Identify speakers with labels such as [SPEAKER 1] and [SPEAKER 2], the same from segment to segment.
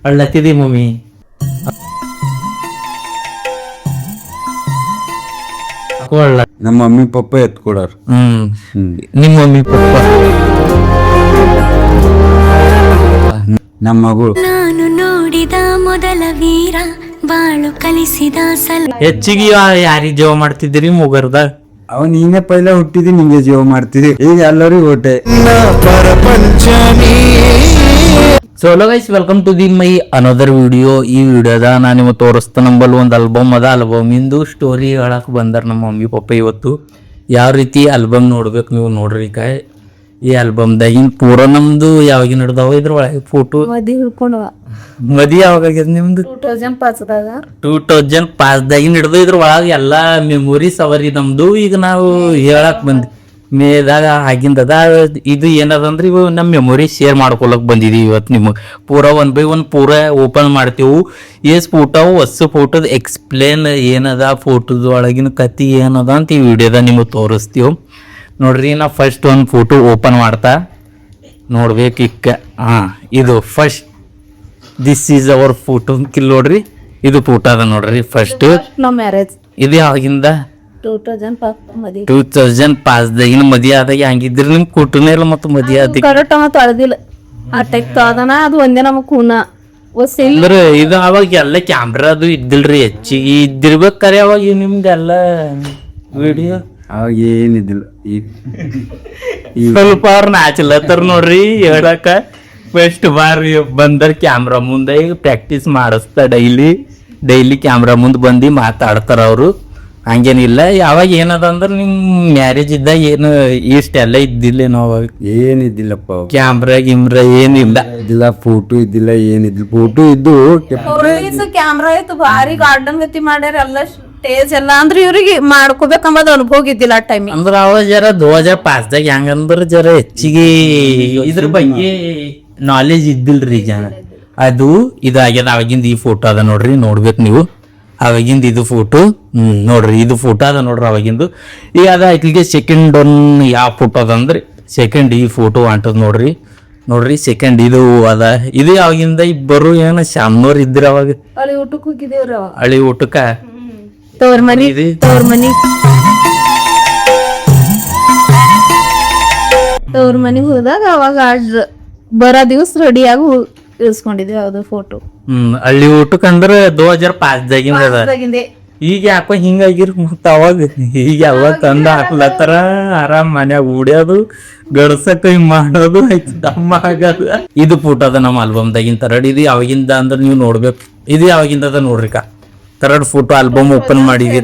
[SPEAKER 1] ಅಳ್ಳತ್ತಿದಿ mummy ಅಳ್ಳ.
[SPEAKER 2] ನಮ್ಮ mummy ಪಪ್ಪ ಎತ್ಕೊಡಾರ.
[SPEAKER 1] ನಿಮ್ಮ ಮಮ್ಮಿ ಪಪ್ಪ
[SPEAKER 2] ನಮ್ಮ ಮಗಳು
[SPEAKER 3] ನಾನು ನೋಡಿದ ಮೊದಲ ವೀರ ಬಾಳು ಕಲಿಸಿದ
[SPEAKER 1] ಹೆಚ್ಚಿಗೆ ಯಾರಿಗೆ ಜೀವ ಮಾಡ್ತಿದ್ದೀರಿ ಮುಗರ್ದ?
[SPEAKER 2] ಅವ ನೀನೇ ಪೈಲ ಹುಟ್ಟಿದಿ, ನಿಂಗೆ ಜೀವ ಮಾಡ್ತಿದಿ, ಈಗ ಎಲ್ಲರಿಗೂ ಓಟೆ.
[SPEAKER 1] Solo guys, welcome to the my another video. ಈ ವಿಡಿಯೋದ ನಾನು ನಿಮಗೆ ತೋರಿಸ್ತಾ ನಂಬಲ್ಲಿ ಒಂದು ಆಲ್ಬಮ್ ಅದ. ಆಲ್ಬಮಿಂದು ಸ್ಟೋರಿ ಹೇಳಕ್ಕೆ ಬಂದಾರ ನಮ್ಮ ಮಮ್ಮಿ ಪಪ್ಪ. ಇವತ್ತು ಯಾವ ರೀತಿ ಆಲ್ಬಮ್ ನೋಡ್ಬೇಕು ನೀವು ನೋಡ್ರಿ. ಈ ಆಲ್ಬಮ್ದಾಗಿನ ಪೂರ ನಮ್ದು ಯಾವಾಗಿನ ಹಿಡ್ದಾವ ಇದ್ರೊಳಗೆ ಫೋಟೋ ಮದಿ ಯಾವಾಗ ನಿಮ್ದು 2005ದಾಗಿನ ಹಿಡ್ದು ಇದ್ರ ಒಳಗೆ ಎಲ್ಲಾ ಮೆಮೊರೀಸ್ ಅವರಿ ನಮ್ದು. ಈಗ ನಾವು ಹೇಳಕ್ ಬಂದ್ವಿ ಮೇದಾಗ ಆಗಿಂದದ ಇದು ಏನದಂದ್ರೆ ಇವು ನಮ್ಮ ಮೆಮೊರಿ ಶೇರ್ ಮಾಡ್ಕೊಳಕ್ ಬಂದಿದೀವಿ ಇವತ್ತು ನಿಮಗೆ. ಪೂರ 1 by 1 ಪೂರ ಓಪನ್ ಮಾಡ್ತೇವು. ಎಸ್ ಫೋಟೋ ಹೊಸ ಫೋಟೋದ ಎಕ್ಸ್ಪ್ಲೇನ್ ಏನದ, ಫೋಟೋದ ಒಳಗಿನ ಕತಿ ಏನದ ಅಂತ ಈ ವಿಡಿಯೋದ ನಿಮಗೆ ತೋರಿಸ್ತೀವಿ ನೋಡ್ರಿ. ನಾ ಫಸ್ಟ್ ಒಂದು ಫೋಟೋ ಓಪನ್ ಮಾಡ್ತಾ ನೋಡ್ಬೇಕು ಇಕ್ಕ. ಇದು first this is our photo ಕಿಲ್ ನೋಡ್ರಿ. ಇದು ಫೋಟೋ ಅದ ನೋಡ್ರಿ ಫಸ್ಟ್. ಇದು ಯಾವಾಗಿಂದ 2005ದಾಗಿನ ಮದಿ ಆದಾಗ ಹಂಗಿದ್ರಿ ನಿಮ್ ಕುಟುನೇ ಇಲ್ಲ ಮತ್ತು ಮದಿ ಆದ ಅಂದ್ರೆ ಇದು ಅವಾಗ ಎಲ್ಲ ಕ್ಯಾಮ್ರಾ ಅದು ಇದ್ದಿಲ್ರಿ, ಹೆಚ್ಚಿಗೆ ಇದ್ದಿರ್ಬೇಕಾರೆ ಅವಾಗ ನಿಮ್ದೆಲ್ಲ ವಿಡಿಯೋ
[SPEAKER 2] ಅವಾಗ ಏನಿದ್ದಿಲ್ಲ.
[SPEAKER 1] ಸ್ವಲ್ಪ ಅವ್ರ ನಾಚಲತ್ತಾರ ನೋಡ್ರಿ ಹೇಳಕ. ಫಸ್ಟ್ ಬಾರಿ ಬಂದರ್ ಕ್ಯಾಮ್ರಾ ಮುಂದೆ ಈಗ ಪ್ರಾಕ್ಟೀಸ್ ಮಾಡಿಸ್ತಾ ಡೈಲಿ ಕ್ಯಾಮ್ರಾ ಮುಂದೆ ಬಂದು ಮಾತಾಡ್ತಾರ ಅವರು. ಹಂಗೇನಿಲ್ಲ. ಯಾವಾಗ ಏನದ ಅಂದ್ರೆ ನಿಮ್ ಮ್ಯಾರೇಜ್ ಇದ್ದಾಗ ಏನು ಇಷ್ಟೆಲ್ಲ ಇದ್ದಿಲ್ಲೇನೋ ಅವಾಗ?
[SPEAKER 2] ಏನಿದ್ದಿಲ್ಲಪ್ಪ,
[SPEAKER 1] ಕ್ಯಾಮ್ರಾ ಗಿಮ್ರಾ ಏನಿಲ್ಲ
[SPEAKER 2] ಇದ್ದಿಲ್ಲ, ಫೋಟೋ ಇದ್ದಿಲ್ಲ, ಏನಿದ್ದಿಲ್ಲ. ಫೋಟೋ ಇದ್ದು
[SPEAKER 4] ಕ್ಯಾಮ್ರಾ ಇತ್ತು, ಭಾರಿ ಗಾರ್ಡನ್ ಗತಿ ಮಾಡ್ಯಾರ ಎಲ್ಲ ಸ್ಟೇಜ್ ಎಲ್ಲ. ಅಂದ್ರೆ ಇವ್ರಿಗೆ ಮಾಡ್ಕೋಬೇಕಂಬದ್ ಅನುಭವ ಇದ್ದಿಲ್ಲ ಆ ಟೈಮ್.
[SPEAKER 1] ಅಂದ್ರ ಅವ ಜರ 2005ದಾಗ ಹೆಂಗಂದ್ರ ಜರ ಹೆಚ್ಚಿಗೆ ಇದ್ರ ಬಗ್ಗೆ ನಾಲೆಜ್ ಇದ್ದಿಲ್ರಿ ಜನ. ಅದು ಇದಾಗ್ಯದ. ಅವಾಗಿಂದ ಈ ಫೋಟೋ ಅದ ನೋಡ್ರಿ, ನೋಡ್ಬೇಕು ನೀವು. ಅವಾಗಿಂದ ಇದು ಫೋಟೋ ನೋಡ್ರಿ, ಇದು ಫೋಟೋ ಅದ ನೋಡ್ರಿ ಅವಾಗಿಂದು. ಈಗ ಅದ ಆಯ್ತಿಗೆ ಸೆಕೆಂಡ್ ಒನ್ ಯಾವ ಫೋಟೋ ಅದ ಅಂದ್ರೆ ಸೆಕೆಂಡ್ ಈ ಫೋಟೋ ಅಂಟದ್ ನೋಡ್ರಿ ಸೆಕೆಂಡ್ ಇದು ಅದ. ಇದು ಯಾವಾಗಿಂದ ಇಬ್ಬರು ಏನ ಶಾಮ್ನೋರ್ ಇದ್ರ ಅವಾಗ
[SPEAKER 4] ಅಲ್ಲಿ ಊಟಕ್ಕೆ ಹೋಗಿದ್ದೇವ್ರಿ.
[SPEAKER 1] ಹಳಿ ಊಟಕ್ಕ
[SPEAKER 4] ತವ್ರ ಮನಿ ಮನಿಗ್ ಹೋದಾಗ ಅವಾಗ ಬರೋ ದಿವಸ ರೆಡಿಯಾಗಿ ಇಳಿಸ್ಕೊಂಡಿದ್ದೇವೆ ಅದು ಫೋಟೋ.
[SPEAKER 1] ಹಳ್ಳಿ ಊಟಕ್ಕೆ ಅಂದ್ರೆ 2005ದಾಗಿಂದ ಅದ. ಈಗ ಯಾಕೋ ಹಿಂಗಾಗಿರ್ ಮತ್ತ ಅವಾಗ ಈಗ ಎಲ್ಲ ತಂದ ಹಾಕ್ಲತ್ತಾರ. ಆರಾಮ್ ಮನ್ಯಾಗ ಉಡ್ಯೋದು, ಗಡ್ಸಕ ಹಿಂಗ್ ಮಾಡೋದು, ದಮ್ಮ ಆಗೋದು. ಇದು ಫೋಟೋ ಅದ ನಮ್ಮ ಆಲ್ಬಮ್ದಾಗಿನ ತರಡ್. ಇದು ಯಾವಾಗಿಂದ ಅಂದ್ರೆ ನೀವು ನೋಡ್ಬೇಕು. ಇದು ಯಾವಾಗಿಂದ ಅದ ನೋಡ್ರಿ ತರಡ್ ಫೋಟೋ ಆಲ್ಬಮ್ ಓಪನ್ ಮಾಡಿದ್ವಿ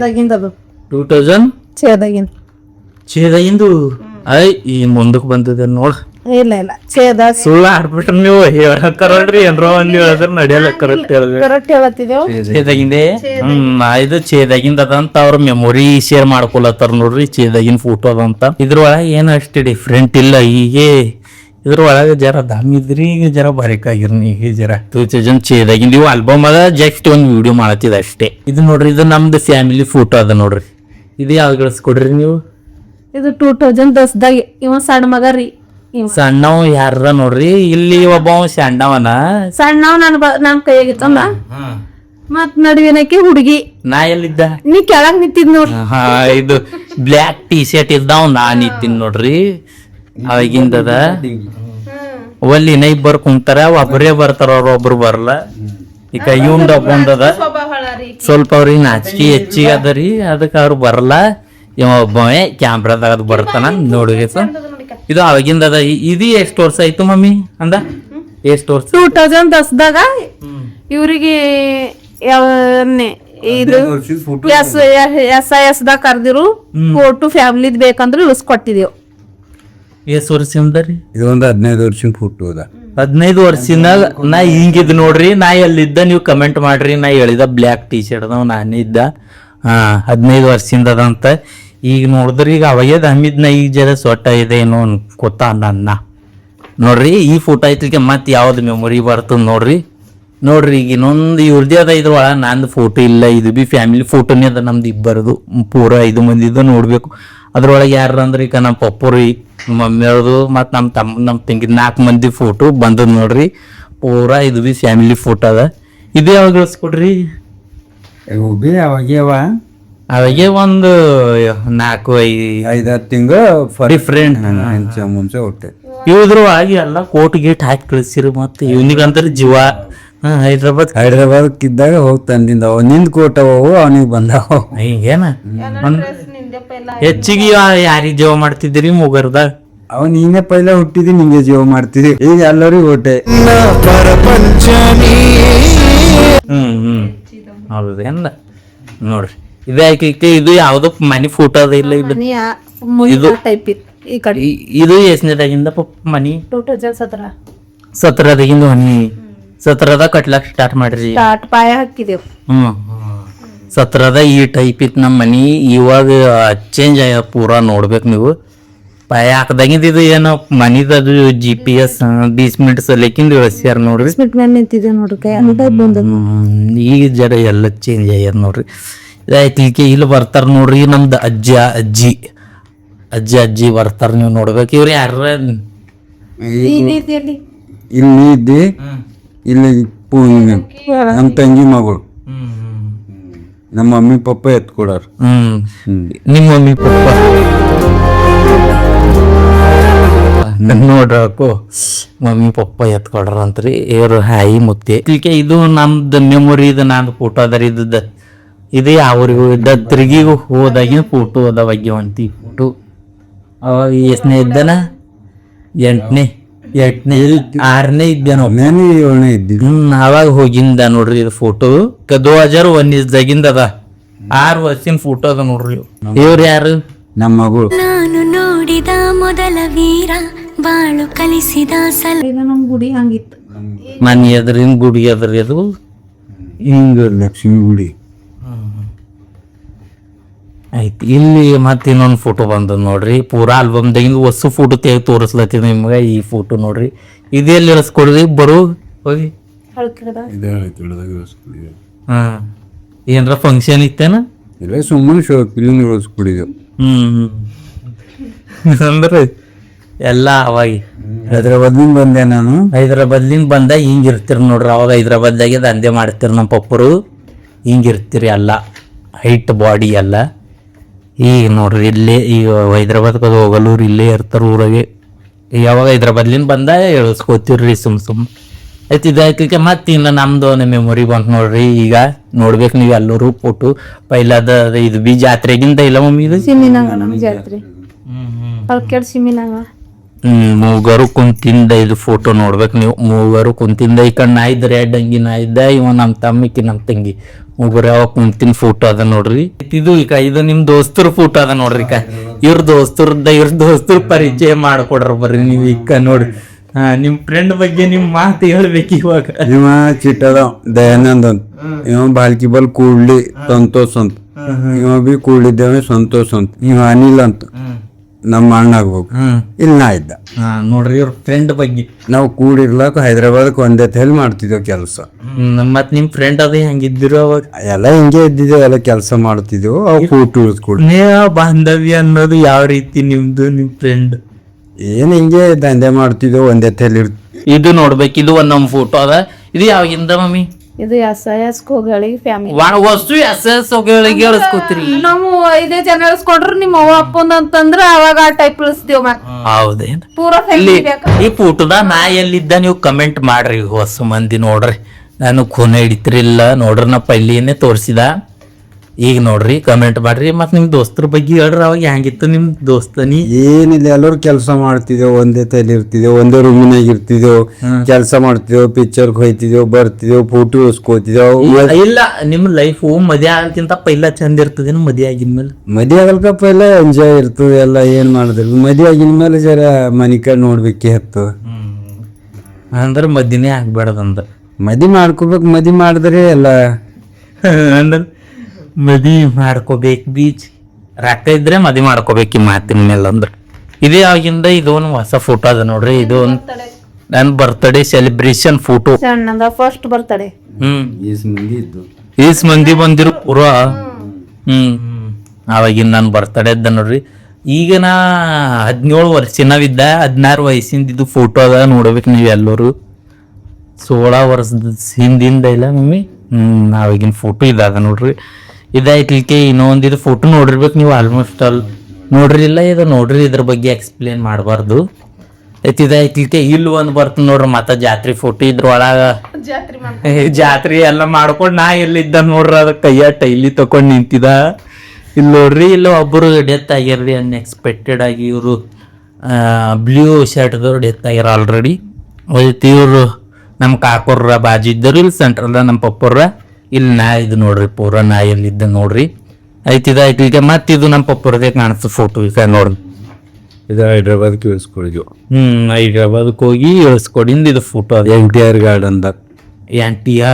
[SPEAKER 1] 2006ದಾಗಿಂದು. ಈ ಮುಂದಕ್ಕೆ ಬಂದಿದೆ ನೋಡ್.
[SPEAKER 4] ಇಲ್ಲ
[SPEAKER 1] ಸುಳ್ಳು ಆಡ್ಬಿಟ್ರಿ ನೀವು. ಹೇಳತ್ತಾರಲ್ರಿ ಏನ್ರ ಒಂದ್ ಹೇಳಿದ್ರ ನಡೆಯಲ್ಲ. ಕರೆಕ್ಟ್
[SPEAKER 4] ಹೇಳತ್ತಿದ್ದೇವ್.
[SPEAKER 1] ಚೇದಾಗಿಂದೆ ಇದು ಚೇದಾಗಿಂದ ಅದಂತ ಅವ್ರ ಮೆಮೊರಿ ಶೇರ್ ಮಾಡ್ಕೊಳತ್ತಾರ ನೋಡ್ರಿ. ಚೇದಾಗಿನ ಫೋಟೋ ಅದಂತ. ಇದ್ರೊಳಗೆ ಏನು ಅಷ್ಟು ಡಿಫ್ರೆಂಟ್ ಇಲ್ಲ. ಹೀಗೆ ಇದ್ರೊಳಗೆ ಜರ ದಮ್ ಇದ್ರಿ, ಈಗ ಜರ ಬರೀಕಾಗಿರ್ನಿ. ಈಗ ಜರ 2000 ಚೇದಾಗಿಂದ ಇವು ಆಲ್ಬಮ್ ಅದ. ಜಸ್ಟ್ ಒಂದು ವಿಡಿಯೋ ಮಾಡತ್ತಿದ ಅಷ್ಟೇ. ಇದು ನೋಡ್ರಿ, ಇದು ನಮ್ದು ಫ್ಯಾಮಿಲಿ ಫೋಟೋ ಅದ ನೋಡ್ರಿ. ಇದು ಯಾವ್ದು ಗಳಿಸ್ಕೊಡ್ರಿ ನೀವು?
[SPEAKER 4] ಇದು 2010ದಾಗ ಇವ ಸಣ್ಣ ಮಗ ರೀ.
[SPEAKER 1] ಸಣ್ಣವ್ ಯಾರ ನೋಡ್ರಿ. ಇಲ್ಲಿ ಒಬ್ಬ ಸಣ್ಣವನ
[SPEAKER 4] ಸಣ್ಣವ್ ನನ್ ಕೈಯಾಗಿತ್ತಂದ. ಮತ್ ನಡುವಿನಕ್ಕೆ ಹುಡುಗಿ.
[SPEAKER 1] ನಾ ಎಲ್ಲಿದ್ದ?
[SPEAKER 4] ನೀ ಕೆಳಗ್ ನಿಂತಿದ್ ನೋಡ್ರಿ.
[SPEAKER 1] ಇದು ಬ್ಲ್ಯಾಕ್ ಟೀ ಶರ್ಟ್ ಇದ್ದಾವ್, ನಾ ನಿಂತಿನ್ ನೋಡ್ರಿ. ಅವಾಗಿಂದದ ಒಲ್ಲಿ ಇಬ್ಬರು ಕುಂತಾರ, ಒಬ್ಬರೇ ಬರ್ತಾರ, ಒಬ್ರು ಬರಲ್ಲ. ಈಗ ಇವಂದ ಒಬ್ಬಂದದ ಸ್ವಲ್ಪ ಅವ್ರಿಗೆ ನಾಚಿಕೆ ಹೆಚ್ಚಿಗೆ ಅದರಿ, ಅದಕ್ಕೆ ಅವ್ರು ಬರಲ್ಲ. ಇವ ಒಬ್ಬವೇ ಕ್ಯಾಮ್ರಾದಾಗ ಅದು ಬರ್ತಾನ ನೋಡಿ. ಇದು ಅವಾಗಿಂದ ಅದ. ಇದು ಎಷ್ಟು ವರ್ಷ ಆಯ್ತು ಮಮ್ಮಿ ಅಂದ? ಎಷ್ಟು ವರ್ಷ?
[SPEAKER 4] 2010ದಾಗ ಇವ್ರಿಗೆ ಇದು SIS ದಾಗ ಕರ್ದಿರು ಫೋಟೋ ಫ್ಯಾಮಿಲಿದ್ ಬೇಕಂದ್ರೆ ಇಳಿಸ್ಕೊಟ್ಟಿದೇವ್.
[SPEAKER 1] ಎಷ್ಟು ವರ್ಷದಿಂದ ರೀ?
[SPEAKER 2] ಇದೊಂದು 15 ವರ್ಷದ ಫೋಟೋ ಅದ.
[SPEAKER 1] 15 ವರ್ಷದಾಗ ನಾ ಹಿಂಗಿದ್ ನೋಡ್ರಿ. ನಾ ಎಲ್ಲಿದ್ದ ನೀವು ಕಮೆಂಟ್ ಮಾಡ್ರಿ. ನಾ ಹೇಳಿದ ಬ್ಲ್ಯಾಕ್ ಟೀ ಶರ್ಟ್ ಅದಾವ, ನಾನೇ ಇದ್ದ. 15 ವರ್ಷದಿಂದ ಅದಂತ. ಈಗ ನೋಡಿದ್ರಿ, ಈಗ ಅವಾಗೇ ದಮ್ಮಿದ್ನ, ಈಗ ಜರ ಸೊಟ್ಟ ಇದೆ ಏನೋ ಗೊತ್ತಾ ನನ್ನ ನೋಡ್ರಿ. ಈ ಫೋಟೋ ಐತ್ಲಿಕ್ಕೆ ಮತ್ತೆ ಯಾವ್ದು ಮೆಮೊರಿ ಬರ್ತದ ನೋಡ್ರಿ. ಈಗ ಇನ್ನೊಂದು ಇವ್ರದೇ ಅದ. ಇದ್ರೊಳ ನಂದು ಫೋಟೋ ಇಲ್ಲ. ಇದು ಬಿ ಫ್ಯಾಮಿಲಿ ಫೋಟೋನೇ ಅದ ನಮ್ದು ಇಬ್ಬರದು. ಪೂರ 5 ಮಂದಿದು ನೋಡ್ಬೇಕು. ಅದ್ರೊಳಗೆ ಯಾರ ಅಂದ್ರೆ ಈಗ ನಮ್ಮ ಪಪ್ಪರು, ಮಮ್ಮಿ ಅವ್ರದು, ಮತ್ತು ನಮ್ಮ ತಂಗಿ 4 ಮಂದಿ ಫೋಟೋ ಬಂದದ್ ನೋಡ್ರಿ. ಪೂರಾ ಇದು ಬಿ ಫ್ಯಾಮಿಲಿ ಫೋಟೋ ಅದ. ಇದು ಯಾವಾಗ ಇಳಿಸ್ಕೊಡ್ರಿ?
[SPEAKER 2] ಒಬ್ಬಿ ಅವಾಗ್ಯವ
[SPEAKER 1] ಅವಾಗೆ ಒಂದು
[SPEAKER 2] 5-6 ತಿಂಗಳು
[SPEAKER 1] ಡಿಫ್ರೆಂಟ್
[SPEAKER 2] ಮುಂಚೆ ಹುಟ್ಟೆ.
[SPEAKER 1] ಇವ್ರು ಆಗಿ ಎಲ್ಲ ಕೋಟ್ ಗೇಟ್ ಹಾಕಿ ಕಳಿಸಿರು. ಮತ್ತೆ ಇವನಿಗಂತಾರೆ ಜೀವ.
[SPEAKER 2] ಹೈದ್ರಾಬಾದ್ ಇದ್ದಾಗ ಹೋಗಿ ತಂದಿಂದ ಅವ ನಿಂದ ಕೊಟ್ಟವು ಅವನಿಗೆ ಬಂದವ.
[SPEAKER 1] ಹಿಂಗೇನ ಹೆಚ್ಚಿಗೆ ಯಾರಿಗೆ ಜೀವ ಮಾಡ್ತಿದ್ದೀರಿ ಮುಗರ್ದಾಗ?
[SPEAKER 2] ಅವ ನೀನೇ ಪೈಲ ಹುಟ್ಟಿದಿ ನಿಂಗೆ ಜೀವ ಮಾಡ್ತಿದಿ. ಈಗ ಎಲ್ಲರಿಗೂ ಹೊಟ್ಟೆ.
[SPEAKER 1] ಹೌದೇನ ನೋಡ್ರಿ. ಇದಾಕಿ ಇದು ಯಾವ್ದೋ ಮನಿ ಫೋಟೋ ಅದ ಇಲ್ಲ ಇದು ಇದು
[SPEAKER 4] ಟೈಪ್ ಇತ್ತು ಈ ಕಡೆ.
[SPEAKER 1] ಇದು ಎಷ್ಟನೇದಾಗಿಂದ ಮನಿ?
[SPEAKER 4] 2017
[SPEAKER 1] 17ದಾಗಿಂದ ಮನಿ 17ದಾಗ ಕಟ್ಲಾಕ್ ಸ್ಟಾರ್ಟ್ ಮಾಡ್ರಿ.
[SPEAKER 4] ಸ್ಟಾರ್ಟ್ ಪಾಯ ಹಾಕಿದೆವು.
[SPEAKER 1] 17ದ ಈ ಟೈಪ್ ಇತ್ತು ನಮ್ಮ ಮನಿ. ಇವಾಗ ಚೇಂಜ್ ಆಗ ಪೂರಾ ನೋಡ್ಬೇಕು ನೀವು. ಪಾಯ ಹಾಕದಾಗಿಂದ ಇದು ಏನೋ ಮನಿದದು GPS 20 ಮಿನಿಟ್ಸ್ ಲೆಕ್ಕಿಂದ ಇಳಿಸ್ಯಾರ ನೋಡ್ರಿ.
[SPEAKER 4] ನಿಂತಿದೆ ನೋಡ್ರಿ ಕೈ ಅಂತ ಬಂದ.
[SPEAKER 1] ಈಗ ಜರ ಎಲ್ಲ ಚೇಂಜ್ ಆಗ್ಯದ ನೋಡ್ರಿ. ಇದಾಯ್ತು. ಈಗ ಇಲ್ಲಿ ಬರ್ತಾರ ನೋಡ್ರಿ ನಮ್ದು ಅಜ್ಜಿ ಬರ್ತಾರ. ನೀವು ನೋಡ್ಬೇಕು. ಇವ್ರು ಯಾರ?
[SPEAKER 2] ಇಲ್ಲಿ ನೀ ಇದ್ದಿ, ಇಲ್ಲಿ ನಮ್ಮ ತಂಗಿ ಮಗಳು, ನಮ್ಮ ಮಮ್ಮಿ ಪಪ್ಪ ಎತ್ಕೊಡಾರ.
[SPEAKER 1] ನಿಮ್ಮ ಮಮ್ಮಿ ಪಪ್ಪ ನೋಡ್ರಕು ಮಮ್ಮಿ ಪಪ್ಪ ಎತ್ಕೊಡ್ರ ಅಂತ್ರಿ. ಇವ್ರು ಹಾಯಿ ಮುತ್ತೆ. ಇದು ನಮ್ದು ಮೆಮೊರಿ. ಇದು ನಂದು ಫೋಟೋ ಅದರ. ಇದು ಯಾವ್ರಿಗೂ ದತ್ರಿಗಿಗೂ ಹೋದಾಗಿನ ಫೋಟೋ ಅದ ಬಗ್ಗೆ ಒಂಟಿ ಫೋಟೋ. ಅವಾಗ ಎಷ್ಟನೇ ಇದ್ದಾನ? 8ನೇ 6ನೇ ಇದ್ದೇನೋ.
[SPEAKER 2] 7ನೇ ಇದ್ದಿದ್ದು.
[SPEAKER 1] ಅವಾಗ ಹೋಗಿಂದ ನೋಡ್ರಿ. ಇದು ಫೋಟೋ 2019 ಅದ. 6 ವರ್ಷಿನ ಫೋಟೋ ಅದ ನೋಡ್ರಿ. ಇವ್ರು ಯಾರು?
[SPEAKER 2] ನಮ್ಮ ಮಗಳು.
[SPEAKER 3] ನಾನು ನೋಡಿದ ಮೊದಲ ವೀರ ಬಾಳು ಕಲಿಸಿದ
[SPEAKER 4] ಈಗ ನಮ್ ಗುಡಿ ಹಂಗಿತ್ತು.
[SPEAKER 1] ಮನೆ ಎದ್ರಿನ ಗುಡಿ ಅದ್ರಿ. ಅದು
[SPEAKER 2] ಹಿಂಗ ಲಕ್ಷ್ಮಿ ಗುಡಿ
[SPEAKER 1] ಐತಿ. ಇಲ್ಲಿ ಮತ್ತೆ ಇನ್ನೊಂದು ಫೋಟೋ ಬಂದದ ನೋಡ್ರಿ. ಪೂರಾ ಆಲ್ಬಮ್ದಾಗಿಂದ ಹೊಸ ಫೋಟೋ ತೆಗೆದು ತೋರಿಸ್ಲತ್ತೀನಿ ನಿಮ್ಗೆ. ಈ ಫೋಟೋ ನೋಡ್ರಿ. ಇದೆಲ್ಲಿ ಇಳಿಸ್ಕೊಡ್ರಿ ಬರು ಹೋಗಿ. ಏನ್ರ ಫಂಕ್ಷನ್ ಇತ್ತೇನ?
[SPEAKER 2] ಇಲ್ಲ ಸುಮ್ಮನೆ ಫಿಲ್ಮ್ ಇಳಿಸ್ಕೊಡಿದೆವು.
[SPEAKER 1] ಅಂದ್ರೆ ಎಲ್ಲ ಅವಾಗ
[SPEAKER 2] ಹೈದ್ರಾಬಾದ್ನಿಂದ ಬಂದೆ ನಾನು.
[SPEAKER 1] ಹೈದ್ರಾಬಾದ್ಲಿಂದ ಬಂದ ಹಿಂಗಿರ್ತೀರಿ ನೋಡ್ರಿ. ಅವಾಗ ಹೈದ್ರಾಬಾದ್ದಾಗೆ ದಂಧೆ ಮಾಡ್ತೀರಿ ನಮ್ಮ ಪಪ್ಪರು. ಹಿಂಗಿರ್ತೀರಿ ಎಲ್ಲ ಹೈಟ್ ಬಾಡಿ ಎಲ್ಲ. ಈಗ ನೋಡ್ರಿ ಇಲ್ಲೇ ಈಗ ಹೈದ್ರಾಬಾದ್ಗೆ ಹೋಗಲ್ಲೂರು ಇಲ್ಲೇ ಇರ್ತಾರ ಊರಾಗೆ. ಯಾವಾಗ ಹೈದ್ರಾಬಾದ್ಲಿಂದ ಬಂದ ಎಳ್ಸ್ಕೋತೀವ್ರಿ ಸುಮ್ ಆಯ್ತು. ಇದಾಯ್ತು. ಮತ್ತೆ ಇನ್ನು ನಮ್ದು ಮೆಮೊರಿ ಬಂತು ನೋಡ್ರಿ. ಈಗ ನೋಡ್ಬೇಕು ನೀವು ಎಲ್ಲರೂ ಫೋಟೋ. ಪೈಲಾದ ಇದು ಬಿ ಜಾತ್ರೆಗಿಂತ ಇಲ್ಲ ಮಮ್ಮಿ. ಇದು
[SPEAKER 4] ಸಿಮಿನಾಗ ನಮ್ ಜಾತ್ರೆ ಕಲ್ಕೆಡ್ ಸಿಮಿನಾಗ
[SPEAKER 1] ಮೂಗರು ಕುಂತಿಂದ ಇದು ಫೋಟೋ ನೋಡ್ಬೇಕು ನೀವು. ಮೂಗರು ಕುಂತಿಂದ ಈ ಕಡೆ ನಾ ಇದ್ದ ರೆಡ್ ಅಂಗಿ ನಾ ಇದ್ದ, ಇವ ನಮ್ಮ ತಮ್ಮಿಕ್ಕಿ ನಮ್ಮ ತಂಗಿ ಮೂಗರು ಯಾವಾಗ ಕುಂತಿನ ಫೋಟೋ ಅದ ನೋಡ್ರಿ. ಇದು ಈಗ ಇದು ನಿಮ್ ದೋಸ್ತರ ಫೋಟೋ ಅದ ನೋಡ್ರಿ. ಇವ್ರ ದೋಸ್ತರ ಪರಿಚಯ ಮಾಡ್ಕೊಡ್ರ ಬರ್ರಿ ನೀವು. ಈಗ ನೋಡ್ರಿ ನಿಮ್ ಫ್ರೆಂಡ್ ಬಗ್ಗೆ ನಿಮ್ ಮಾತು ಹೇಳ್ಬೇಕು ಇವಾಗ.
[SPEAKER 2] ಇವ ಚಿಟ್ಟದ ದಯಾನಂದ್ ಅಂತ. ಇವ ಬಾಲ್ಕಿ ಬಲ್ ಕೂಡ್ಲಿ ಸಂತೋಷ್ ಅಂತ. ಇವ ಬಿ ಕೂಡ್ಲಿದ್ದೇವೆ ಸಂತೋಷ್ ಅಂತ. ಇವ ಅನಿಲ್ ಅಂತ ನಮ್ಮ ಅಣ್ಣ ಆಗ್ಬೇಕು. ಇಲ್ಲಿ ನಾ ಇದ್ದ
[SPEAKER 1] ನೋಡ್ರಿ ಇವ್ರ ಫ್ರೆಂಡ್ ಬಗ್ಗೆ.
[SPEAKER 2] ನಾವು ಕೂಡಿರ್ಲಾಕ ಹೈದ್ರಾಬಾದ್ಕ್ ಒಂದೇ ತಲೆ ಮಾಡ್ತಿದ್ದೇವ್ ಕೆಲಸ.
[SPEAKER 1] ಮತ್ ನಿಮ್ ಫ್ರೆಂಡ್ ಅದೇ ಹೆಂಗಿದ್ರು ಅವಾಗ?
[SPEAKER 2] ಎಲ್ಲ ಹಿಂಗೆ ಇದ್ದಿದ್ದೇವ್, ಎಲ್ಲ ಕೆಲಸ ಮಾಡ್ತಿದ್ದೆವು. ಅವ್ ಫೋಟೋ ಉಳಿಸ್ಕೊಡ್.
[SPEAKER 1] ಬಾಂಧವ್ಯ ಅನ್ನೋದು ಯಾವ ರೀತಿ ನಿಮ್ದು ನಿಮ್ ಫ್ರೆಂಡ್?
[SPEAKER 2] ಏನ್ ಹಿಂಗೆ ದಂಧೆ ಮಾಡ್ತಿದ್ದೇವ್, ಒಂದೇ ತಲೆ
[SPEAKER 1] ಇದು ನೋಡ್ಬೇಕು. ಇದು ಒಂದ್ ನಮ್ ಫೋಟೋ ಅದ. ಇದು ಯಾವಾಗಿಂದ ಮಮ್ಮಿ?
[SPEAKER 4] ಇದು ಎಸ್ ಕೋಗಳಿಗೆ ಫ್ಯಾಮಿಲಿ
[SPEAKER 1] ವಸ್ತು ಎಸ್ ಹೋಗಳಿಗೆ ಇಳಿಸ್ಕೋತೀರಿ.
[SPEAKER 4] ನಾವು 5 ಜನ ಇಳಿಸ್ಕೊಂಡ್ರು ನಿಮ್ಮ ಅವ್ವ ಅಪ್ಪಂದ ಅಂತಂದ್ರ ಅವಾಗ ಆ ಟೈಪ್ ಇಳಿಸ್ತೀವ್.
[SPEAKER 1] ಹೌದೇನ್?
[SPEAKER 4] ಪೂರಾ
[SPEAKER 1] ಇಲ್ಲಿ
[SPEAKER 4] ಫ್ಯಾಮಿಲಿ.
[SPEAKER 1] ಈ ಫೋಟೋದ ನಾ ಎಲ್ಲಿದ್ದ ನೀವು ಕಮೆಂಟ್ ಮಾಡ್ರಿ. ಹೊಸ ಮಂದಿ ನೋಡ್ರಿ. ನಾನು ಖೂನ ಹಿಡಿತಿರಿಲ್ಲ ನೋಡ್ರಿ. ನಾ ಪೈಲಿನೇ ತೋರಿಸಿದ. ಈಗ ನೋಡ್ರಿ ಕಮೆಂಟ್ ಮಾಡ್ರಿ. ಮತ್ ನಿಮ್ ದೋಸ್ತರ ಬಗ್ಗೆ ಹೇಳ್ರಿ. ಅವಾಗ ಹೆಂಗಿತ್ತು ನಿಮ್ ದೋಸ್ತನಿ?
[SPEAKER 2] ಏನಿಲ್ಲ, ಎಲ್ಲರೂ ಕೆಲಸ ಮಾಡ್ತಿದ್ದೇವ್, ಒಂದೇ ತಲೆ ಇರ್ತಿದ್ದೇವ್, ಒಂದೇ ರೂಮಿನಾಗ ಇರ್ತಿದ್ದೇವ್, ಕೆಲಸ ಮಾಡ್ತಿದ್ದೇವ್, ಪಿಕ್ಚರ್ ಹೋಯ್ತಿದ್ದೇವ್, ಬರ್ತಿದ್ದೇವ್, ಫೋಟೋ ಉಳಿಸ್ಕೋತಿದ್ದೇವ್.
[SPEAKER 1] ಇಲ್ಲ ನಿಮ್ ಲೈಫ್ ಮದ್ವೆ ಆಗಕ್ಕಿಂತ ಪೈಲ ಚಂದ ಇರ್ತದೆ. ಮದ್ವೆ ಆಗಿದ್ಮೇಲೆ
[SPEAKER 2] ಮದ್ವೆ ಆಗಲ್ಕಪ್ಪ ಎಲ್ಲ ಎಂಜಾಯ್ ಇರ್ತದೆ. ಎಲ್ಲ ಏನ್ ಮಾಡಿದ್ರು ಮದ್ವೆ ಆಗಿನ ಮೇಲೆ ಜರ ಮನಿ ಕಡೆ ನೋಡ್ಬೇಕೇ ಹತ್ತು.
[SPEAKER 1] ಅಂದ್ರೆ ಮದ್ದಿನೇ ಆಗ್ಬೇಡದಂದ್ರ
[SPEAKER 2] ಮದಿ ಮಾಡ್ಕೋಬೇಕು. ಮದಿ ಮಾಡಿದ್ರೆ ಎಲ್ಲ
[SPEAKER 1] ಅಂದ್ರೆ ಮದಿ ಮಾಡ್ಕೋಬೇಕು. ಬೀಚ್ ರೊಕ್ಕ ಇದ್ರೆ ಮದಿ ಮಾಡ್ಕೋಬೇಕು ಈ ಮಾತಿನ ಮೇಲೆ. ಅಂದ್ರೆ ಇದೇ ಆಗಿಂದ ಇದೊಂದು ಹೊಸ ಫೋಟೋ ಅದ ನೋಡ್ರಿ. ಇದು ಒಂದು ನನ್ನ ಬರ್ತ್ಡೇ ಸೆಲೆಬ್ರೇಷನ್ ಫೋಟೋ.
[SPEAKER 4] ಸಣ್ಣದ ಫಸ್ಟ್ ಬರ್ತಡೆ.
[SPEAKER 2] ಈಸ್
[SPEAKER 1] ಮಂದಿ ಬಂದಿರು ಪೂರಾ. ಅವಾಗಿನ ನನ್ನ ಬರ್ತಡೇ ಇದ್ದ ನೋಡ್ರಿ. ಈಗ ನಾ 17 ವರ್ಷ ನಾವಿದ್ದ. 16 ವಯಸ್ಸಿಂದ ಇದು ಫೋಟೋ ಅದ ನೋಡ್ಬೇಕು ನೀವು ಎಲ್ಲರೂ. 16 ವರ್ಷದ ಹಿಂದಿಂದ ಇಲ್ಲ ಮಮ್ಮಿ. ನಾವೀಗಿನ ಫೋಟೋ ಇದಾಗ ನೋಡ್ರಿ. ಇದಾಯ್ತಿಲ್ಕೆ ಇನ್ನೊಂದು ಇದು ಫೋಟೋ ನೋಡಿರ್ಬೇಕು ನೀವು ಆಲ್ಮೋಸ್ಟ್ ಆಲ್ ನೋಡ್ರಿಲ್ಲ. ಇದು ನೋಡ್ರಿ, ಇದ್ರ ಬಗ್ಗೆ ಎಕ್ಸ್ಪ್ಲೇನ್ ಮಾಡಬಾರ್ದು. ಇದಾಯ್ತಿಲ್ಕೆ ಇಲ್ಲಿ ಒಂದು ಬರ್ತದೆ ನೋಡ್ರಿ ಮತ್ತೆ ಜಾತ್ರೆ ಫೋಟೋ. ಇದ್ರೊಳಗ ಜಾತ್ರೆ ಎಲ್ಲ ಮಾಡ್ಕೊಂಡು ನಾ ಎಲ್ಲಿದ್ದ ನೋಡ್ರಿ, ಅದ ಕೈಯ ಟೈಲಿ ತಕೊಂಡ್ ನಿಂತಿದ. ಇಲ್ಲಿ ನೋಡ್ರಿ, ಇಲ್ಲ ಒಬ್ಬರು ಡೆತ್ ಆಗ್ಯಾರ್ರಿ ಅನ್ಎಕ್ಸ್ಪೆಕ್ಟೆಡ್ ಆಗಿ. ಇವರು ಬ್ಲೂ ಶರ್ಟ್ದವ್ರು ಡೆತ್ ಆಗ್ಯಾರ ಆಲ್ರೆಡಿ. ಇವರು ನಮ್ಮ ಕಾಕೋರ್ರ ಬಾಜು ಇದ್ದರು, ಇಲ್ಲಿ ಸೆಂಟ್ರಲ್ದ ನಮ್ಮ ಪಪ್ಪರ್ರ. ಇಲ್ಲಿ ನಾ ಇದು ನೋಡ್ರಿ ಪೂರ ನಾ ಎಲ್ಲಿದ್ದ ನೋಡ್ರಿ. ಆಯ್ತು ಈಗ ಮತ್ತೆ ಇದು ನಮ್ಮ ಪಪ್ಪರದೇ ಕಾಣಿಸ್ತದೆ ಫೋಟೋ. ಈಗ ನೋಡ್ರಿ,
[SPEAKER 2] ಇದು ಹೈದ್ರಾಬಾದ್ಗೆ ಇಳಿಸ್ಕೊಳಿದ್ವು.
[SPEAKER 1] ಹೈದ್ರಾಬಾದ್ಗೆ ಹೋಗಿ ಇಳಿಸ್ಕೊಡಿಂದ ಇದು ಫೋಟೋ ಅದ.
[SPEAKER 2] NTR ಗಾರ್ಡನ್ದಾಗ.
[SPEAKER 1] NTR.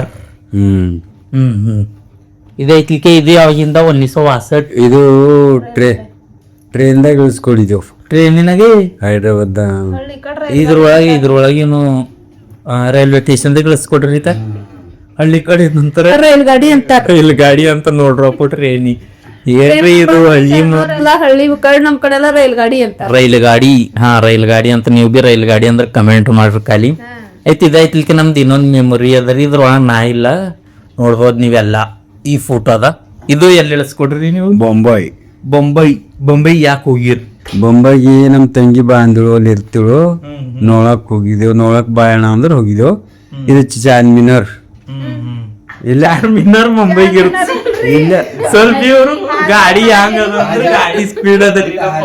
[SPEAKER 1] ಇದೈತಿಕೆ ಇದು ಯಾವಾಗಿಂದ 1962.
[SPEAKER 2] ಇದು ಟ್ರೈನ್ದಾಗ ಇಳಿಸ್ಕೊಳಿದ್ವು.
[SPEAKER 1] ಟ್ರೈನಿನಾಗೆ
[SPEAKER 2] ಹೈದ್ರಾಬಾದ್
[SPEAKER 1] ಇದ್ರೊಳಗೇನು ರೈಲ್ವೆ ಸ್ಟೇಷನ್ದಾಗ ಇಳಿಸ್ಕೊಡ್ರಿ. ಹಳ್ಳಿ ಕಡೆ ನಂತರ
[SPEAKER 4] ರೈಲ್ ಗಾಡಿ ಅಂತ
[SPEAKER 1] ರೈಲ್ ಗಾಡಿ ಅಂತ ನೋಡ್ರಪ್ಪ ಟ್ರೈನಿ ಏನ್ರಿ ಇದು ಹಳ್ಳಿ
[SPEAKER 4] ಹಳ್ಳಿ ಕಡೆ ನಮ್ ಕಡೆ ಎಲ್ಲ ರೈಲ್ ಗಾಡಿ ಅಂತ.
[SPEAKER 1] ರೈಲ್ ಗಾಡಿ, ರೈಲ್ ಗಾಡಿ ಅಂತ. ನೀವು ಬಿ ರೈಲ್ ಗಾಡಿ ಅಂದ್ರೆ ಕಮೆಂಟ್ ಮಾಡ್ರಿ ಖಾಲಿ. ಇದಾಯ್ತಿಲ್ಕೆ ನಮ್ದು ಇನ್ನೊಂದು ಮೆಮೊರಿ ಅದರಿ. ಇದ್ರೊಳಗೆ ನಾ ಇಲ್ಲ, ನೋಡ್ಬೋದು ನೀವೆಲ್ಲ. ಈ ಫೋಟೋ ಅದ. ಇದು ಎಲ್ಲಿ ಇಳಿಸ್ಕೊಡ್ರಿ ನೀವು? ಬೊಂಬೈ ಯಾಕೆ ಹೋಗಿರಿ?
[SPEAKER 2] ಬೊಂಬೈಗೆ ನಮ್ಮ ತಂಗಿ ಬಾಂಧಳು ಅಲ್ಲಿ ಇರ್ತಿಳು, ನೋಳಕ್ ಹೋಗಿದ್ದೆವು. ನೋಳಕ್ ಬಾಯಣ ಅಂದ್ರೆ ಹೋಗಿದ್ದೆವು. ಇದು ಚಾರ್ಮಿನಾರ್.
[SPEAKER 1] ಇಲ್ಲ ಮಿನ್ನರ್ ಮುಂಬೈಗೆ ಇಲ್ಲ ಸ್ವಲ್ಪ ಇವರು ಗಾಡಿ ಹಂಗ ಗಾಡಿ ಸ್ಪೀಡ್ ಅದ.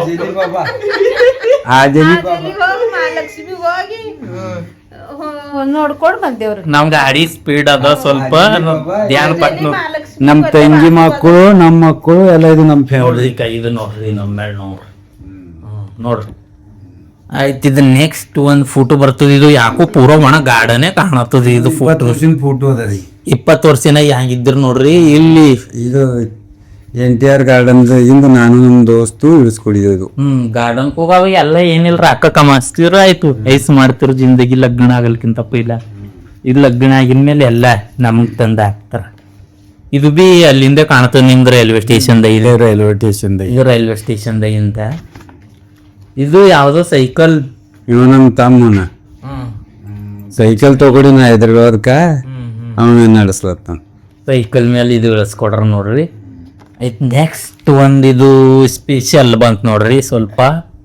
[SPEAKER 4] ನೋಡ್ಕೊಂಡ್ ಬಂದೇವ್ರಿ.
[SPEAKER 1] ನಮ್ ಗಾಡಿ ಸ್ಪೀಡ್ ಅದ ಸ್ವಲ್ಪ ಧ್ಯಾನ ಪಟ್ಟು.
[SPEAKER 2] ನಮ್ಮ ತಂಗಿ ಮಕ್ಕಳು, ನಮ್ಮ ಮಕ್ಕಳು ಎಲ್ಲ ಇದು ನಮ್ಮ ಫ್ಯಾಮಿಲಿ.
[SPEAKER 1] ಇದು ನೋಡ್ರಿ ನಮ್ಮ ಮೇಲೆ ನೋಡ್ರಿ. ಆಯ್ತು, ಇದು ನೆಕ್ಸ್ಟ್ ಒಂದು ಫೋಟೋ ಬರ್ತದೆ. ಇದು ಯಾಕೋ ಪೂರ ಒಣ ಗಾರ್ಡನೇ ಕಾಣತ್ತದ. ಇದು ಫೋಟೋ
[SPEAKER 2] ಅದ ರೀ.
[SPEAKER 1] 20 ವರ್ಷನ ಹೆಂಗಿದ್ರು ನೋಡ್ರಿ. ಇಲ್ಲಿ
[SPEAKER 2] ಇದು NTR ಗಾರ್ಡನ್ ಇಂದ ನಾನು ನಮ್ಮ ದೋಸ್ತು ಇಳಿಸ್ಕೊಡಿದ್ದು.
[SPEAKER 1] ಗಾರ್ಡನ್ ಹೋಗಾವ ಎಲ್ಲ ಏನಿಲ್ರ ಅಕ್ಕ ಕಮಾಸ್ತಿರ ಆಯ್ತು ಐಸ್ ಮಾಡ್ತಿರು ಜಿಂದಗಿ. ಲಗ್ನ ಆಗಲ್ಕಿಂತ ಇಲ್ಲ, ಇದು ಲಗ್ನ ಆಗಿದ್ಮೇಲೆ ಎಲ್ಲ ನಮಗ್ ತಂದ ಹಾಕ್ತಾರ. ಇದು ಬಿ ಅಲ್ಲಿಂದ ಕಾಣ್ತದೆ ನಿಮ್ದು ರೈಲ್ವೆ ಸ್ಟೇಷನ್ದ. ಇದೆ
[SPEAKER 2] ರೈಲ್ವೆ ಸ್ಟೇಷನ್.
[SPEAKER 1] ಇದು ರೈಲ್ವೆ ಸ್ಟೇಷನ್ದಾಗಿಂದ. ಇದು ಯಾವ್ದೋ ಸೈಕಲ್.
[SPEAKER 2] ಇವ ನಮ್ಮ ತಮ್ಮನ ಸೈಕಲ್ ತಗೊಡಿ ನಾ ಹೈದ್ರಾಬಾದ್ಕ ಅವನ ನಡೆಸ್ಲತ್ತ.
[SPEAKER 1] ಸೈಕಲ್ ಮೇಲೆ ಇದು ಇಳಿಸ್ಕೊಡ್ರ ನೋಡ್ರಿ. ಆಯ್ತು, ನೆಕ್ಸ್ಟ್ ಒಂದು ಇದು ಸ್ಪೆಷಲ್ ಬಂತ ನೋಡ್ರಿ. ಸ್ವಲ್ಪ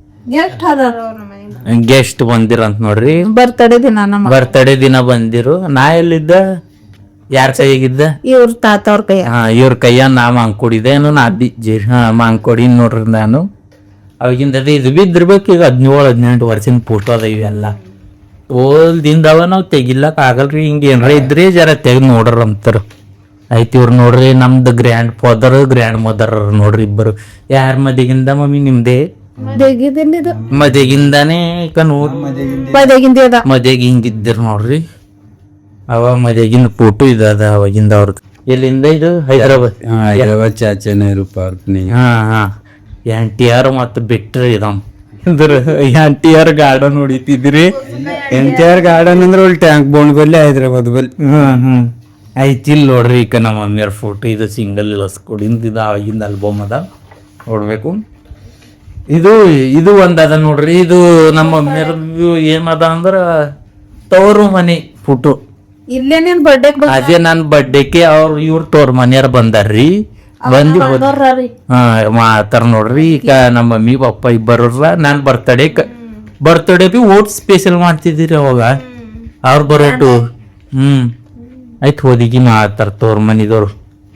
[SPEAKER 1] ಗೆಸ್ಟ್ ಬಂದಿರಂತ ನೋಡ್ರಿ.
[SPEAKER 4] ಬರ್ತಡೇ ದಿನ ನಮ್ಮ
[SPEAKER 1] ಬರ್ತಡೇ ದಿನ ಬಂದಿರು. ನಾ ಎಲ್ಲಿದ್ದ? ಯಾರ ಕೈಯಾಗಿದ್ದ?
[SPEAKER 4] ಇವ್ರ ತಾತ ಅವ್ರ ಕೈ.
[SPEAKER 1] ಇವ್ರ ಕೈಯ ನಾ ಮಾಂಕೊಡಿದೆ. ನಾ ಮಾಂಕೊಡಿ ನೋಡ್ರಿ ನಾನು. ಅವಾಗಿಂದ ಇದು ಬಿದ್ದಿರ್ಬೇಕು. ಈಗ 17-18 ವರ್ಷದ ಫೋಟೋ ಅದ ಇವೆಲ್ಲ. ಓಲ್ದಿಂದವ ನಾವು ತೆಗಿಲಕ್ ಆಗಲ್ರಿ. ಹಿಂಗೆ ಏನಾರ ಇದ್ರಿ ಜರ ತೆಗ್ದು ನೋಡ್ರ ಅಂತಾರ. ಆಯ್ತು, ಇವ್ರು ನೋಡ್ರಿ ನಮ್ದು ಗ್ರ್ಯಾಂಡ್ ಫಾದರ್ ಗ್ರ್ಯಾಂಡ್ ಮದರ್ ನೋಡ್ರಿ ಇಬ್ಬರು. ಯಾರ ಮದಿಗಿಂದ ಮಮ್ಮಿ? ನಿಮ್ದೇ ಮದಿಗಿಂದಾನೇ. ಈಗ ನೋಡ್ರಿ ಮದಿಗೆ ಹಿಂಗಿದ್ದಿರ್ ನೋಡ್ರಿ. ಅವ ಮದಿಗಿಂದ ಫೋಟೋ ಇದ ಅವಾಗಿಂದ ಅವ್ರದ್ದು. ಎಲ್ಲಿಂದ ಇದು? ಹೈದ್ರಾಬಾದ್
[SPEAKER 2] ಚಾಚಾ ನೆಹರು ಪಾರ್ಕ್.
[SPEAKER 1] NTR ಮತ್ತು ಬಿಟ್ರಿ NTR ಗಾರ್ಡನ್ ಹೊಡಿತಿದ್ರಿ.
[SPEAKER 2] NTR ಗಾರ್ಡನ್ ಅಂದ್ರೆ ಒಳ್ಳೆ ಟ್ಯಾಂಕ್ ಬೋನ್ ಬಲ್ಲಿ ಹೈದ್ರಾಬಾದ್ ಬಲ್ಲಿ.
[SPEAKER 1] ಆಯ್ತು, ಇಲ್ಲಿ ನೋಡ್ರಿ ಈಗ ನಮ್ಮ ಮಮ್ಮಿಯವ್ರ ಫೋಟೋ. ಇದು ಸಿಂಗಲ್ ಇಳಿಸ್ಕೊಡಿಂದ ಇದು ಆಗಿಂದ ಆಲ್ಬಮ್ ಅದ, ನೋಡ್ಬೇಕು. ಇದು ಒಂದದ ನೋಡ್ರಿ. ಇದು ನಮ್ಮ ಮಮ್ಮಿಯವ್ರ ಏನದ ಅಂದ್ರ ತವರು ಮನೆ ಫೋಟೋ.
[SPEAKER 4] ಇಲ್ಲೇ ನಿನ್ ಬರ್ಡೇ
[SPEAKER 1] ಅದೇ ನನ್ನ ಬರ್ಡೇಗೆ ಇವ್ರ ತೋರ್ ಮನೆಯವ್ರ ಬಂದಾರ್ರಿ. ಬಂದಿ ಮಾತಾರ ನೋಡ್ರಿ. ಈಗ ನಮ್ಮ ಮಮ್ಮಿ ಪಪ್ಪ ಇಬ್ಬರ ನಾನ್ ಬರ್ತಡೇ ಬಿ ಓಟ್ ಸ್ಪೆಷಲ್ ಮಾಡ್ತಿದ್ದೀರಿ ಅವಾಗ ಅವ್ರ ಬರೋಟು. ಆಯ್ತು, ಹೋದಿಗಿ ಮಾತಾರ ತೋರ್ ಮನಿದವ್ರು.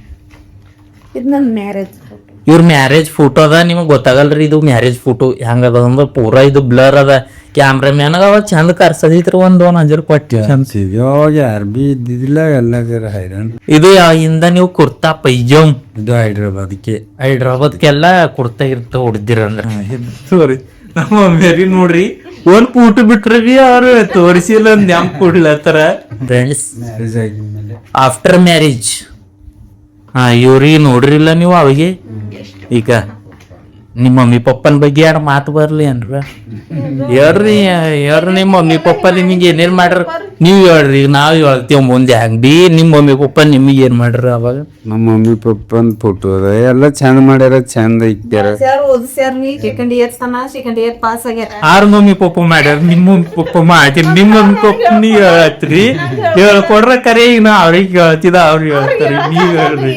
[SPEAKER 1] ಇವ್ರ ಮ್ಯಾರೇಜ್ ಫೋಟೋ ಅದ. ನಿಮಗ್ ಗೊತ್ತಾಗಲ್ರಿ ಇದು ಮ್ಯಾರೇಜ್ ಫೋಟೋ ಹೆಂಗದ ಅಂದ್ರೆ ಪೂರಾ ಇದು ಬ್ಲರ್ ಅದ. ಕ್ಯಾಮ್ರಾಮ್ಯಾನ್ ಅವ ಚಂದ ಕರ್ಸದಿತ್ರ ಒಂದ್ 1000 ಕೊಟ್ಟಿ.
[SPEAKER 2] ಯಾರು ಬಿ ಇದ್ದಿದ್ದಿಲ್ಲ, ಎಲ್ಲ ಹೈರಾಣ.
[SPEAKER 1] ಇದು ಇಂದ ನೀವು ಕುರ್ತಾ ಪೈಜಾಮ್.
[SPEAKER 2] ಇದು
[SPEAKER 1] ಹೈದ್ರಾಬಾದ್ಗೆಲ್ಲ ಕುರ್ತಾ ಇರ್ತಾವ ಹೊಡ್ದಿರಂದ್ರ. ಸಾರಿ, ನಮ್ಮ ಮೇರಿ ನೋಡ್ರಿ ಒಂದ್ ಫೋಟೋ ಬಿಟ್ರಿ ಅವ್ರು ತೋರಿಸಿಲ್ಲ ನೆಂಪ್ ಕೊಡ್ಲತ್ತಾರ. ಫ್ರೆಂಡ್ಸ್, ಆಫ್ಟರ್ ಮ್ಯಾರೇಜ್ ಇವ್ರಿಗೆ ನೋಡ್ರಿಲ್ಲ ನೀವು ಅವಿಗೆ. ಈಗ ನಿಮ್ಮ ಮಮ್ಮಿ ಪಪ್ಪನ ಬಗ್ಗೆ ಎರಡು ಮಾತು ಬರ್ಲಿ ಅನ್ರ ಹೇಳ್ರಿ ನಿಮ್ಮ ಮಮ್ಮಿ ಪಪ್ಪ ನಿಮಗೆ ಏನೇನ್ ಮಾಡ್ರ ನೀವ್ ಹೇಳ್ರಿ ನಾವ್ ಹೇಳ್ತೀವಿ ಮುಂದೆ ಹಂಗ್ ನಿಮ್ಮ ಮಮ್ಮಿ ಪಪ್ಪ ನಿಮಗೆ ಏನ್ ಮಾಡ್ರ ಅವಾಗ?
[SPEAKER 2] ನಮ್ಮ ಮಮ್ಮಿ ಪಪ್ಪನ್ ಫೋಟೋ ಅದ ಎಲ್ಲ ಚಂದ ಮಾಡ್ಯಾರ, ಚಂದ ಇಕ್ಕ್ಯಾರ.
[SPEAKER 4] ಓದಿಸ್ಯಾರ ನೀ ಸೆಕೆಂಡ್ ಇಯರ್ ಪಾಸ್ ಆಗ್ಯಾರ.
[SPEAKER 1] ಆರ್ ಮಮ್ಮಿ ಪಪ್ಪ ಮಾಡ್ಯಾರ, ನಿಮ್ಮ ಮಮ್ಮಿ ಪಪ್ಪ ಮಾಡಿರಿ. ನಿಮ್ಮ ಮಮ್ಮಿ ಪಪ್ಪ ನೀವ್ ಹೇಳತ್ರಿ, ಹೇಳ್ಕೊಡ್ರ ಕರೆ. ಈಗ ನಾ ಅವ್ರಿಗೆ ಹೇಳ್ತಿದ ಅವ್ರಿಗೆ ಹೇಳ್ತಾರಿ. ನೀವ್ ಹೇಳ್ರಿ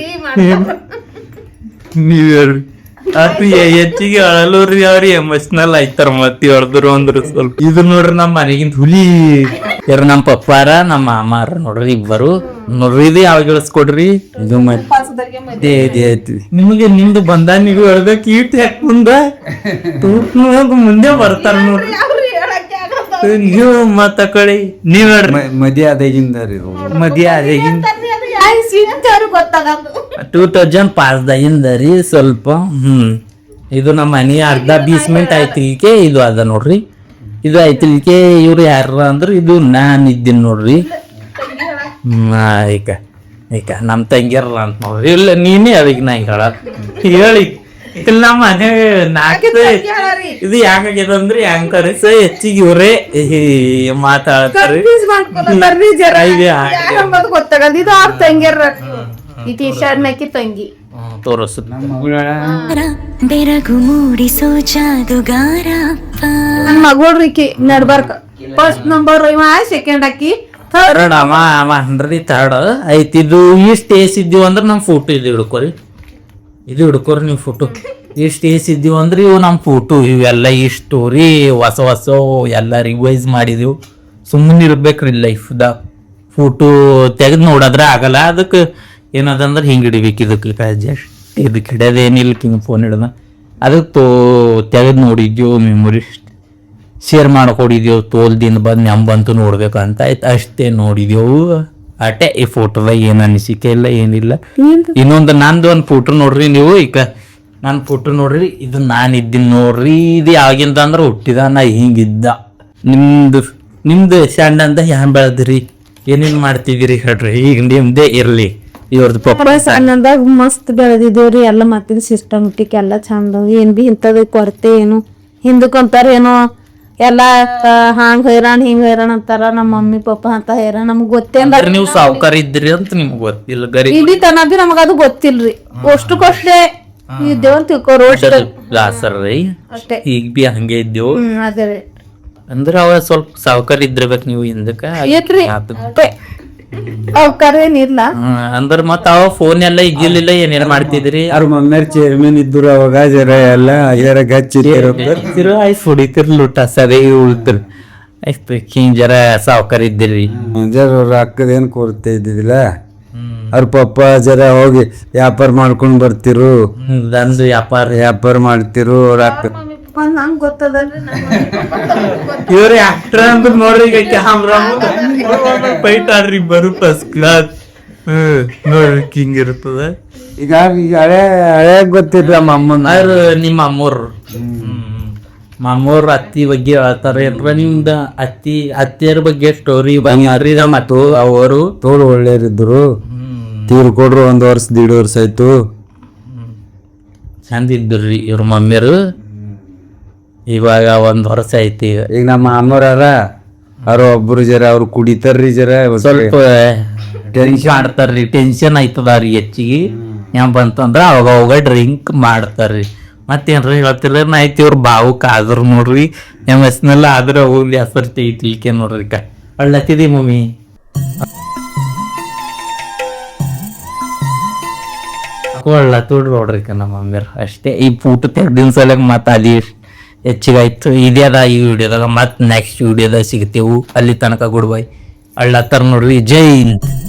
[SPEAKER 1] ಅದು ಹೆಚ್ಚಿಗೆ ಅಳಲೂರಿ ಅವ್ರಿ ಎಮೋಷನಲ್ ಆಯ್ತಾರ. ಮತ್ತೆ ಹೊಡೆದ್ರು ಅಂದ್ರು ಸ್ವಲ್ಪ. ಇದು ನೋಡ್ರಿ ನಮ್ಮ ಮನೆಗಿಂತ ಹುಲಿ ಯಾರ ನಮ್ಮ ಪಪ್ಪಾರ ನಮ್ಮ ಮಾಮಾರ ನೋಡ್ರಿ ಇಬ್ಬರು ನೋಡ್ರಿ. ಇದು ಯಾವಾಗ ಇಳಿಸ್ಕೊಡ್ರಿ?
[SPEAKER 2] ಇದು ಮತ್ತೆ ಐತಿ.
[SPEAKER 1] ನಿಮಗೆ ನಿಮ್ದು ಬಂದ ನೀವು ಹೇಳ್ಬೇಕು. ಈಟ್ ಯಾಕೆ ಮುಂದೆ ಬರ್ತಾರ ನೋಡ್ರಿ. ನೀವು ಮತ್ತ ಕಡೆ ನೀವ್ ಹೇಳ್ರಿ.
[SPEAKER 2] ಮದಿ ಆದಾಗಿಂದ ರೀ
[SPEAKER 1] ಮದ್ವೆ ಆದಾಗಿಂದ
[SPEAKER 4] ಗೊತ್ತಾಗದು
[SPEAKER 1] 2005 ರೀ ಸ್ವಲ್ಪ. ಇದು ನಮ್ಮ ಮನೆ ಅರ್ಧ 20 ಮಿನಿಟ್ ಆಯ್ತಿಲ್ಕೆ ಇದು ಅದ ನೋಡ್ರಿ. ಇದು ಆಯ್ತಿಲ್ಕೆ ಇವ್ರು ಯಾರ ಅಂದ್ರ ಇದು ನಾನ್ ಇದ್ದೀನಿ ನೋಡ್ರಿ. ಈಗ ಈಗ ನಮ್ ತಂಗಿಯರ ಅಂತ ನೋಡ್ರಿ. ಇಲ್ಲ ನೀನೇ ಅದಕ್ಕೆ ನಾ ಹೇಳಿ ಇಲ್ಲ ನಮ್ಮ ಮನೆ ಇದು ಯಾಕಾಗ್ಯದ ಅಂದ್ರೆ ಆಂಕರ್ಸ್ ಹೆಚ್ಚಿಗೆ ಇವ್ರೇ ಮಾತಾಡ್ತಾರೆ.
[SPEAKER 4] ಗೊತ್ತಾಗಲ್ಲ. ಇದು ಅವ್ರ ತಂಗಿಯರ ಈ ಟಿ ಶರ್ಟ್ ಮೇಕಿ ತಂಗಿ
[SPEAKER 1] ತೋರಿಸ್
[SPEAKER 3] ಬೆರಗು ಮೂಡಿಸೋ ಜಾದುಗಾರ
[SPEAKER 4] ನನ್ ಮಗಳ್ರಿಕಿ ನಡ್ಬರ್ಕ ಫಸ್ಟ್ ನಂಬರ್ ಇವ ಸೆಕೆಂಡ್ ಅಕ್ಕಿ
[SPEAKER 1] ಥರ್ಡ್ ಅವ ಅನ್ರಿ ಥರ್ಡ್ ಐತಿ. ಇದು ಇಷ್ಟು ಏಸ್ ಇದ್ದೀವಿ ಅಂದ್ರೆ ನಮ್ಮ ಫೋಟೋ ಇದು ಹಿಡ್ಕೊರಿ. ಇದು ಹಿಡ್ಕೊರಿ ನೀವು ಫೋಟೋ. ಇಷ್ಟು ಏಸ್ ಇದ್ದೀವಿ ಅಂದ್ರೆ ಇವು ನಮ್ಮ ಫೋಟೋ. ಇವೆಲ್ಲ ಈ ಸ್ಟೋರಿ ಹೊಸ ಹೊಸ ಎಲ್ಲ ರಿವೈಸ್ ಮಾಡಿದೆವು. ಸುಮ್ಮನೆ ಇರ್ಬೇಕ್ರಿ ಲೈಫ್ದಾಗ. ಫೋಟೋ ತೆಗೆದು ನೋಡಿದ್ರೆ ಆಗಲ್ಲ. ಅದಕ್ಕೆ ಏನದಂದ್ರೆ ಹಿಂಗೆ ಹಿಡಿಬೇಕು. ಇದಕ್ಕೆ ಜಸ್ಟ್ ಇದಕ್ಕೆ ಹಿಡಿಯೋದೇನಿಲ್ಲ. ಹಿಂಗೆ ಫೋನ್ ಹಿಡ್ದ ಅದಕ್ಕೆ ತೆಗೆದು ನೋಡಿದ್ಯೋ ಮೆಮೊರಿ ಶೇರ್ ಮಾಡ್ಕೊಡಿದ್ಯೋ. ತೋಲ್ದಿಂದ ಬಂದು ಬಂತು ನೋಡ್ಬೇಕಂತ ಆಯ್ತು ಅಷ್ಟೇ ನೋಡಿದೆವು. ಅಟೆ ಈ ಫೋಟೋದಾಗ ಏನು ಅನಿಸಿಕೆ ಇಲ್ಲ ಏನಿಲ್ಲ. ಇನ್ನೊಂದು ನಂದು ಒಂದು ಫೋಟೋ ನೋಡ್ರಿ ನೀವು. ಈಗ ನನ್ನ ಫೋಟೋ ನೋಡ್ರಿ. ಇದು ನಾನು ಇದ್ದೀನಿ ನೋಡ್ರಿ. ಇದು ಯಾವಾಗಿಂದ ಅಂದ್ರೆ ಹುಟ್ಟಿದ ನಾ ಹಿಂಗಿದ್ದ. ನಿಮ್ದು ಸಣ್ಣ ಅಂತ ಹ್ಯಾಂಗ ಬೆಳೆದ್ರಿ ಏನೇನು ಮಾಡ್ತಿದ್ದೀರಿ ಹೇಳ್ರಿ. ಈಗ ನಿಮ್ದೇ ಇರಲಿ. ಇವ್ರದ್ದು ಪಪ್ಪ
[SPEAKER 4] ಸಣ್ಣದಾಗ ಮಸ್ತ್ ಬೆಳೆದಿದ್ದೇವ್ರಿ. ಎಲ್ಲ ಮತ್ತಿದ ಸಿಸ್ಟಮ್ಟಿಕ್ ಎಲ್ಲ ಚಂದ. ಏನ್ ಬಿ ಇಂಥದ ಕೊರತೆ ಏನು ಹಿಂದಕ್ಕಂತಾರ ಏನೋ ಎಲ್ಲ ಹಾಂಗ್ ಹೈರಾಣ ಹಿಂಗ್ ಹೈರಾಣ ಅಂತಾರ. ನಮ್ಮ ಮಮ್ಮಿ ಪಪ್ಪ ಅಂತ ಹೈರಾಣ ನಮ್ಗ್ ಗೊತ್ತೇ ಇಲ್ಲ.
[SPEAKER 1] ನೀವು ಸಾವುಕಾರ ಇದ್ರಿ ಅಂತ ನಿಮ್ಗೆ ಗೊತ್ತಿಲ್ಲ. ಗರಿ
[SPEAKER 4] ಇಲ್ಲಿ ತನ ಬಿ ನಮಗ ಅದು ಗೊತ್ತಿಲ್ರಿ. ಅಷ್ಟಕ್ಕಷ್ಟೇ ಇದ್ದೇವಂತ ತಿಳ್ಕೊರು
[SPEAKER 1] ದಾಸರ್ರಿ
[SPEAKER 4] ಅಷ್ಟೇ.
[SPEAKER 1] ಈಗ ಬಿ ಹಂಗೆ ಇದ್ದೇವು.
[SPEAKER 4] ಅದೇ ರೀ
[SPEAKER 1] ಅಂದ್ರೆ ಅವ ಸ್ವಲ್ಪ ಸಾವುಕಾರ ಇದ್ರಬೇಕು ನೀವು ಹಿಂದಕ್ಕ.
[SPEAKER 4] ಏತ್ರಿ ಅವಕಾರ ಏನಿಲ್ಲ
[SPEAKER 1] ಅಂದ್ರ ಮತ್ತ ಅವ ಫೋನ್ ಎಲ್ಲ ಇದ್ದಿಲ್ಲ. ಏನೇನ್ ಮಾಡ್ತಿದ್ರಿ?
[SPEAKER 2] ಅವ್ರ ಮಮ್ಮಿಯರ್ ಚೇರ್ಮನ್ ಇದ್ರು ಅವಾಗ ಜರ ಎಲ್ಲ ಇದರ ಗಚ್ಚಿದ್ರು
[SPEAKER 1] ಆಯ್ತು ಹೊಡಿತಿರ್ಲಿ ಊಟ ಸರಿ ಉಳ್ತಿರ್ ಆಯ್ತು. ಹಿಂಗ್ ಜರ ಸಾವುಕಾರ ಇದ್ದಿರಿ.
[SPEAKER 2] ಜರ ರೊಕ್ಕದೇನ್ ಕೊರತೆ ಇದ್ದಿದ್ದಿಲ್ಲ. ಅವ್ರ ಪಪ್ಪ ಜರ ಹೋಗಿ ವ್ಯಾಪಾರ ಮಾಡ್ಕೊಂಡ್ ಬರ್ತಿರು.
[SPEAKER 1] ನಂದು
[SPEAKER 2] ವ್ಯಾಪಾರ ಮಾಡ್ತಿರು. ರೊಕ್ಕ
[SPEAKER 4] ನಂಗ್ ಗೊತ್ತದಲ್ರಿ.
[SPEAKER 1] ಇವ್ರಿ ಆಕ್ಟರ್ ಅಂದ್ರ ನೋಡ್ರಿ. ಈಗ ಕ್ಯಾಮ್ರಾ ಫೈಟ್ ಆಡ್ರಿ ಬರು ಫಸ್ಟ್ ಕ್ಲಾಸ್. ನೋಡ್ರಿ ಹಿಂಗ್ ಇರ್ತದ.
[SPEAKER 2] ಈಗ ಹಳೆ ಹಳೆ ಗೊತ್ತಿಲ್ಲ ಅಮ್ಮನ.
[SPEAKER 1] ನಿಮ್ಮ ಮಾಮೂರ್ ಅತ್ತಿ ಬಗ್ಗೆ ಹೇಳ್ತಾರ ಏನ್ರ ನಿಮ್ದ ಅತ್ತಿಯರ ಬಗ್ಗೆ ಸ್ಟೋರಿ ಬಂಗಾರಿ. ಮತ್ತು ಅವರು
[SPEAKER 2] ತೋಳು ಒಳ್ಳೆಯರಿದ್ರು. ತೀರ್ಕೊಡ್ರು 1 ವರ್ಷ 1.5 ವರ್ಷ ಆಯ್ತು.
[SPEAKER 1] ಚಂದ ಇದ್ರಿ ಇವ್ರ ಮಮ್ಮಿಯರು. ಇವಾಗ 1 ವರ್ಷ ಐತಿ.
[SPEAKER 2] ಈಗ ನಮ್ಮ ಅಮ್ಮವ್ರ ಅವ್ರ ಒಬ್ರು ಜರ ಅವ್ರು ಕುಡಿತಾರ್ರಿ. ಜರ
[SPEAKER 1] ಸ್ವಲ್ಪ ಟೆನ್ಷನ್ ಆಡ್ತಾರ್ರಿ. ಟೆನ್ಷನ್ ಆಯ್ತದ ಅವ್ರಿಗೆ ಹೆಚ್ಚಿಗೆ. ಏನ್ ಬಂತಂದ್ರ ಅವಾಗ ಡ್ರಿಂಕ್ ಮಾಡ್ತಾರ್ರಿ. ಮತ್ತೇನ್ರಿ ಹೇಳ್ತಿರ ಆಯ್ತು. ಇವ್ರ ಭಾವುಕ ಆದ್ರು ನೋಡ್ರಿ. ಎಮೋಷನಲ್ ಆದ್ರೆ ಹೋಗ್ಲಿ ಹೆಸರು ಐತಿಲ್ಕೆ ನೋಡ್ರಿ. ಅಳ್ಳತ್ತಿದಿ ಮಮ್ಮಿ ಒಳ್ಳತ್ತೋಡ್ರಿ ನೋಡ್ರಿ ನಮ್ಮ ಮಮ್ಮಿಯರ್ ಅಷ್ಟೇ. ಈ ಫೋಟೋ ತೆಗ್ದಿನ ಸಲ ಮತ್ತ ಅಲ್ಲಿ ಹೆಚ್ಚಿಗಾಯ್ತು. ಇದೇ ಅದ ಈ ವಿಡಿಯೋದಾಗ. ಮತ್ತೆ ನೆಕ್ಸ್ಟ್ ವಿಡಿಯೋದಾಗ ಸಿಗ್ತೇವು. ಅಲ್ಲಿ ತನಕ ಗುಡ್ ಬೈ. ಅಳ್ಳತ್ತಾರ ನೋಡ್ರಿ. ಜೈ ಹಿಂದ್.